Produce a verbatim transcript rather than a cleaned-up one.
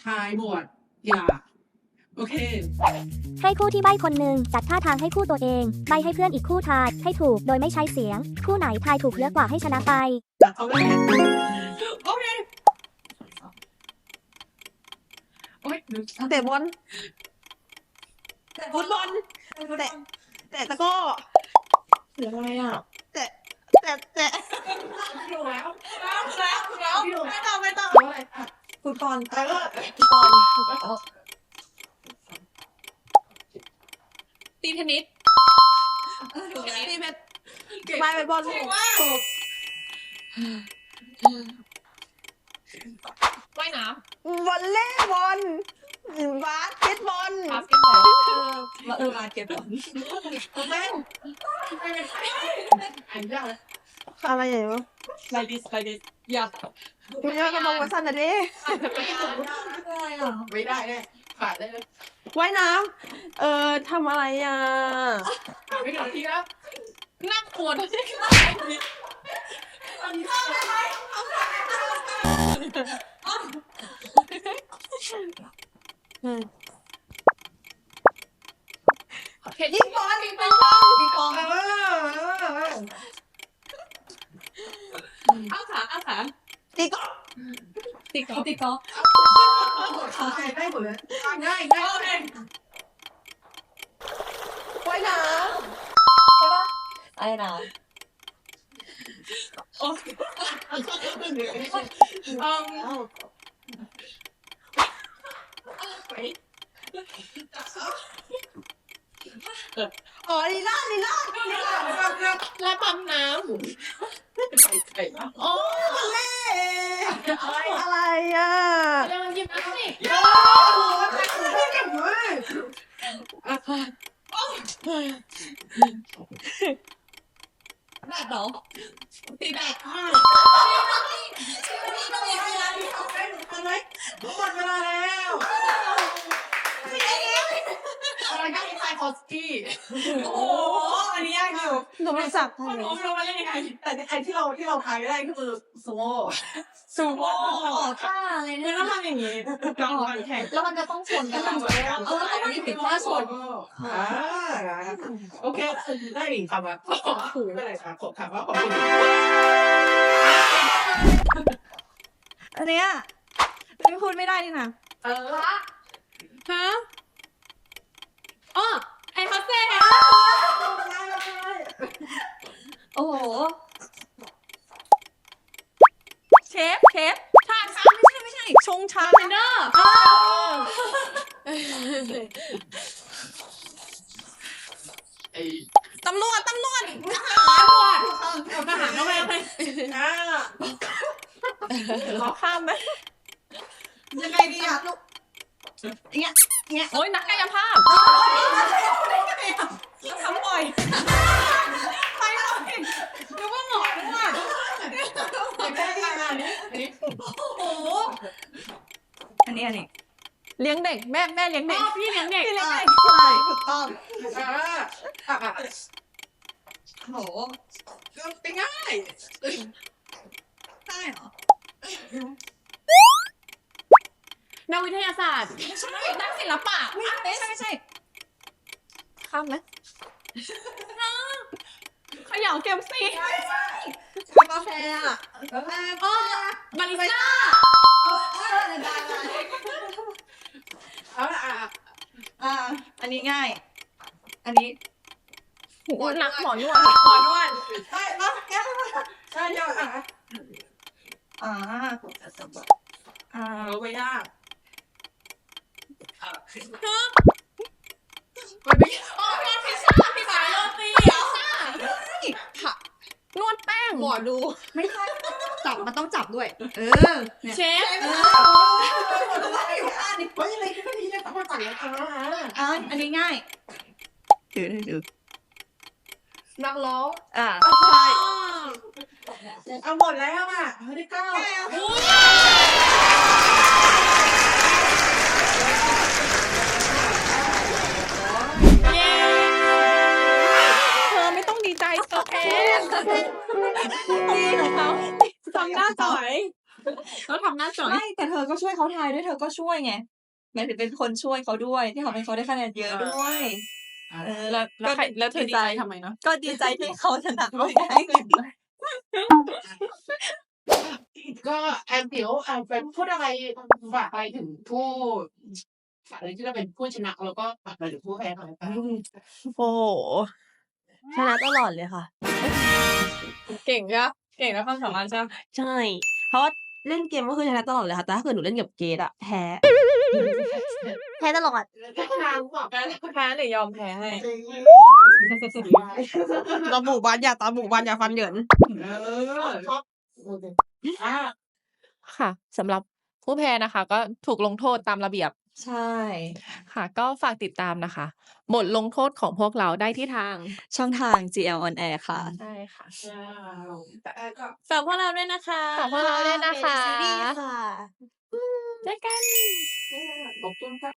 ายหมวดอย่าโอเคให้คู่ที่ใบ้คนหนึ่งจัดท่าทางให้คู่ตัวเองใบ้ให้เพื่อนอีกคู่ทายให้ถูกโดยไม่ใช้เสียงคู่ไหนทายถูกเยอะกว่าให้ชนะไปจัดเอาเลยโอเคโอ้ยเตะบอลแต่ฟุตบอลเตะเตะตะก้อเหลืออะไรอ่ะเตะเตะเตะอยู่แล้วแล้วแล้วแล้วไม่ต้องไม่ต้องฟุตบอลเออฟุตบอลตีเทนนิสตีเม็ดไม่ไปบอลถูกว่ายน้ำวอลเลย์บอลบาสเกตบอลำบาสเกตบอลมาเออบาสเกตบอลแม่งอันยากเลยอะไรอย่างเงี้ย like this like this อยากไม่ได้ก็มองว่าสั้นนะดิไม่ได้แน่ขาดได้เลยว่ายน้ำเออทำอะไรอ่ะไม่ถึงทีแล้วนั่งปวดยิงบอลยิงบอลยิงบอลอ้าขาอ้าขาตีกอล์ฟตีกอล์ฟตีกอล์ฟได้หมดเลยง่ายง่ายเองว่ายน้ำใช่ปะำว่ายน้ำโอ้อ๋อลีลาลีลาแล้วปั๊มน้ำโอ้เล่อะไรอ่ะเดี๋ยวยิบน้ำสิโอ้ไม่เก่งเลยแบบเหรอตีแบบหมดเวลาแล้วอะไรก็ไทยคอสกี้โอ้โหอันนี้ยากอยู่โทรศัพท์คนรู้เราไม่ได้ยังไงแต่ไอที่เราที่เราทายได้ก็คือซูโม่ซูโม่ท่าอะไรเนี่ยต้องทำอย่างนี้ต้องทำแข่งแล้วมันจะต้องชนกันเออต้องมีติดท่าชนอ่าโอเคได้หนึ่งคำอ่ะไม่ได้ครับผมถามว่าขอบคุณอันเนี้ยไม่พูดไม่ได้นี่นะเออฮะอ๋อไอ้ฮัสเซ่โอ้โหเชฟเชฟชาชาไม่ใช่ไม่ใช่ชงชาเนอร์ตำรวจตำรวจตำรวจทหารเข้าไปเลยอ่าขอข้ามไหมยังไงดีอ่ะลูกเงี้ยเงี้ยโอ้ยนักกายภาพทำบ่อยไปเลยนึกว่าหมอนึกว่าแค่อันนี้อันนี้โอ้โหอันนี้อันนี้เลี้ยงเด็กแม่แม่เลี้ยงเด็กพี่เลี้ยงเด็กพี่เลี้ยงเด็กใช่ถูกต้องอ่าอ่าโหเป็นง่ายได้เหรอนักวิทยาศาสตร์นักศิลปะไม่ใช่ไม่ใช่ข้ามไหมขย่าเก็บซีกาแฟอ่ะอ๋อบาริสต้าเอาละอ่ะอ่าอันนี้ง่ายอันนี้หมอนักหมอนวดหมอนวดใช่ปะแก้ใช่ยังอ่ะอ่าอ่าไม่ยากมันไม่อ๋อนวดพิซซ่าพิซซ่าโรตีพิซซ่าผักนวดแป้งหมอดูไม่ใช่จับมันต้องจับด้วยเออเชฟเอออันนี้ไม่อะไรก็ดีเลยแต่ว่าสั่งแล้วอ่าอันนี้ง่ายถือถือนักร้องอ่าใช่เอาหมดแล้วอ่ะไม่ได้เก้าเธอไม่ต้องดีใจโอเคดีของเขาทำหน้าจ่อยเขาทำหน้าสองไม่แต่เธอก็ช่วยเขาทายด้วยเธอก็ช่วยไงหมายถึงเป็นคนช่วยเขาด้วยที่ทำให้เขาได้คะแนนเยอะด้วย เออแล้วแล้วใครแล้วเธอดีดีใจใจทำไมเนาะก็ดีใจที่เขาชนะไม่ได้เงินก็แอนเดี๋ยวแอนเป็นพูดอะไรฝากอะไรถึงผู้ฝากอะไรที่เราเป็นผู้ชนะแล้วก็ฝากอะไรถึงผู้แพ้หน่อยค่ะโอ้โหชนะตลอดเลยค่ะเก่งจ้ะเก่งแล้วความสามารถจ้ะใช่ เพราะว่าเล่นเกมก็คือชนะตลอดเลยค่ะแต่ถ้าเกิดหนูเล่นกับเกดอะแพ้ แพ้ตลอดทางบอกกันแพ้หรือยอมแพ้ให้ตาหมู่บ้านอย่าตาหมู่บ้านอย่าฟันเหยินเออชอบอ่าค่ะสำหรับผู้แพ้นะคะ ก็ถูกลงโทษตามระเบียบใช่ค่ะ ก็ฝากติดตามนะคะ บทลงโทษของพวกเราได้ที่ทางช่องทาง จี แอล on air ค่ะใช่ค่ะแต่แอนก็ฝากพวกเราด้วยนะคะฝากพวกเราด้วยนะคะเป็นซีรีส์ค่ะเจอกันขอบคุณค่ะ